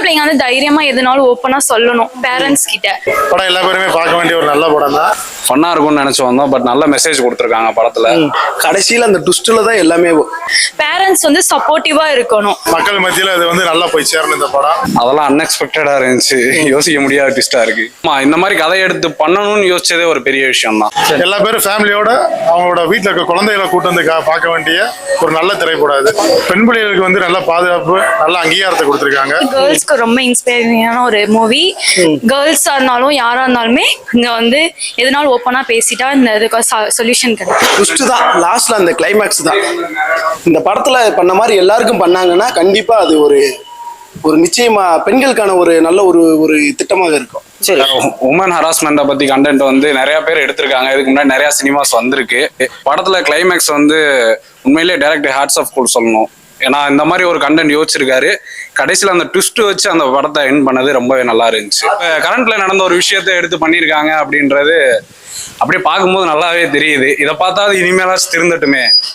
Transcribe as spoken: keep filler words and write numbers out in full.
பிள்ளைங்க வந்து தைரியமா எதுனாலும் ஓப்பனா சொல்லணும் பேரண்ட்ஸ் கிட்ட. படம் எல்லா பேருமே பார்க்க வேண்டிய ஒரு நல்ல படம் தான். ஃபன்னா இருக்கும்னு நினைச்சு வந்தோம். பட் நல்ல மெசேஜ் கொடுத்துருக்காங்க படத்துல. கடைசியில அந்த ட்விஸ்ட்ல தான் எல்லாமே. பேரண்ட்ஸ் வந்து சப்போர்ட்டிவா இருக்கணும். மக்கள் மத்தியில அது வந்து நல்லா போய் சேரணும் இந்த படம். அதெல்லாம் அன்எக்ஸ்பெக்டடா இருந்துச்சு. யோசிக்க முடியாத ட்விஸ்டா இருக்கு. ஆமா, இந்த மாதிரி கதை எடுத்து பண்ணணும்னு யோசிச்சதே ஒரு பெரிய விஷயம் தான். எல்லா பேரும் ஃபேமிலியோட அவங்களோட வீட்டுல இருக்க குழந்தைகளை கூட்டு வந்து பார்க்க வேண்டிய ஒரு நல்ல திரைப்படம் இது. பெண் பிள்ளைகளுக்கு வந்து நல்ல பாதுகாப்பு, நல்ல அங்கீகாரத்தை கொடுத்திருக்காங்க. கேர்ள்ஸ்க்கு ரொம்ப இன்ஸ்பைரிங்கான ஒரு மூவி. கேர்ள்ஸா இருந்தாலும் யாரா இருந்தாலுமே இங்க வந்து எதனாலும் ஓப்பனா பேசிட்டா இந்த இதுக்கு சொல்யூஷன் கிடைக்கும். ட்விஸ்ட் தான் லாஸ்ட்ல, அந்த கிளைமேக்ஸ் தான். இந்த படத்துல பண்ண மாதிரி எல்லாருக்கும் பண்ணாங்கன்னா கண்டிப்பா அது ஒரு ஒரு நிச்சயமா பெண்களுக்கான ஒரு நல்ல ஒரு ஒரு திட்டமாக இருக்கும். உமன் ஹராஸ்மெண்ட்டை பத்தி கண்டென்ட் வந்து நிறைய பேர் எடுத்திருக்காங்க. இதுக்கு முன்னாடி நிறைய சினிமாஸ் வந்திருக்கு. படத்துல கிளைமேக்ஸ் வந்து உண்மையிலேயே டைரக்டர் ஹேட்ஸ் ஆஃப் கூட சொல்லணும். ஏன்னா இந்த மாதிரி ஒரு கண்டென்ட் யோசிச்சிருக்காரு. கடைசியில் அந்த ட்விஸ்ட் வச்சு அந்த படத்தை எண்ட் பண்ணது ரொம்பவே நல்லா இருந்துச்சு. இப்போ கரண்ட்ல நடந்த ஒரு விஷயத்த எடுத்து பண்ணியிருக்காங்க அப்படின்றது அப்படியே பார்க்கும்போது நல்லாவே தெரியுது. இதை பார்த்தா இனிமேலாச்சும் திருந்தட்டுமே.